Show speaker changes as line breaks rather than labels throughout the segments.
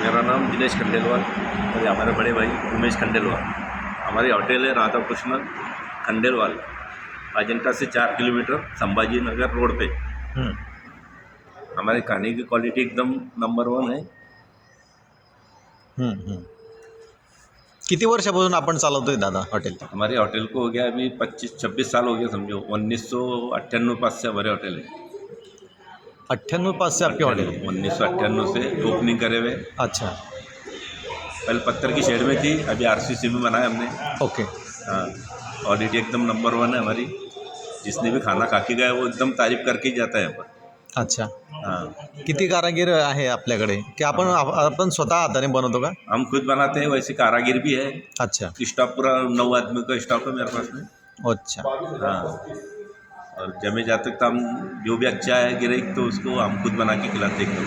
मेरा नाम दिनेश खंडेलवाल और हमारे बड़े भाई उमेश खंडेलवाल। हमारी होटल है राधा कृष्ण खंडेलवाल, अजंता से 4 किलोमीटर संभाजी नगर रोड पे। हमारे खाने की क्वालिटी एकदम नंबर 1 है।
किती वर्षापासून आपण चालवतोय दादा हॉटेल?
हमारे होटल को हो गया अभी 25-26 साल हो गया समझो। 1998 पास से हमारे होटल है।
98 पास से आपकी हॉटेल है?
1998 से ओपनिंग करे हुए।
अच्छा,
पहले पत्थर की शेड में थी, अभी आरसीसी में बनाया हमने।
ओके।
हाँ, क्वालिटी एकदम नंबर 1 है हमारी। जिसने भी खाना खा के गया वो एकदम तारीफ करके ही जाता है यहाँ पर।
अच्छा,
हाँ,
किती कारागीर आहे आपल्याकडे की आपण स्वतः हाताने बनवतो का?
हम खुद बनाते हैं, वैसे कारागिर भी है।
अच्छा,
स्टाफ पूरा 9 आदमी का स्टाफ है मेरे पास में।
अच्छा,
हाँ, और जमे जाते तक हम जो भी अच्छा है गिराइक तो उसको हम खुद बना के खिलाते एकदम।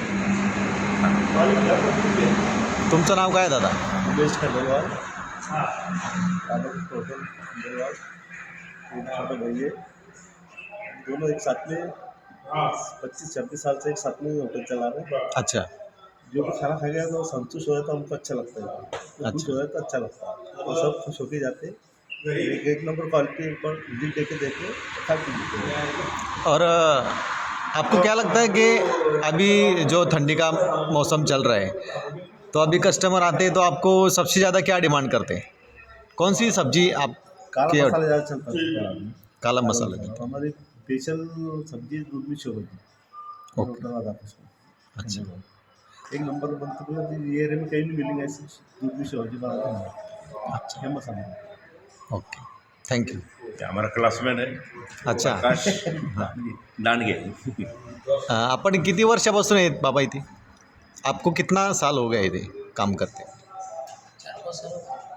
तुमचं नाव काय दादा?
उमेश खंडेलवाल, राधाकृष्ण होटल खंडेलवाल, एक छोटा भाई है। दोनों एक साथ में 25-26 साल से एक साथ में होटल चला रहे हैं।
अच्छा,
जो भी खाना खा गया तो संतुष्ट हो जाता है, हमको अच्छा लगता है। तो खुश हो जाए तो अच्छा लगता है, और सब खुश होके जाते हैं। एक नंबर क्वालिटी एक बार विजिट देके देखे खा के देते हैं।
और आपको क्या लगता है कि अभी जो ठंडी का मौसम चल रहा है तो अभी कस्टमर आते हैं तो आपको सबसे ज़्यादा क्या डिमांड करते हैं? कौन सी सब्जी आप
काला मसाला ज़्यादा चलता है।
काला मसाला देते हैं?
हमारी स्पेशल सब्जी दूध में शो होती है
ओके।
होटल राधाकृष्ण।
अच्छा,
एक नंबर बनती है, ये एरिया में कहीं नहीं मिलेंगे ऐसी दूध में शो होती बनाते हैं।
अच्छा,
फेमस है।
Okay, thank you.
ये हमारा क्लासमेट है
अच्छा,
आकाश दांडगे।
आपण किती वर्षापासून आहेत बाबा इथे? आपको कितना साल हो गया इथे काम करते?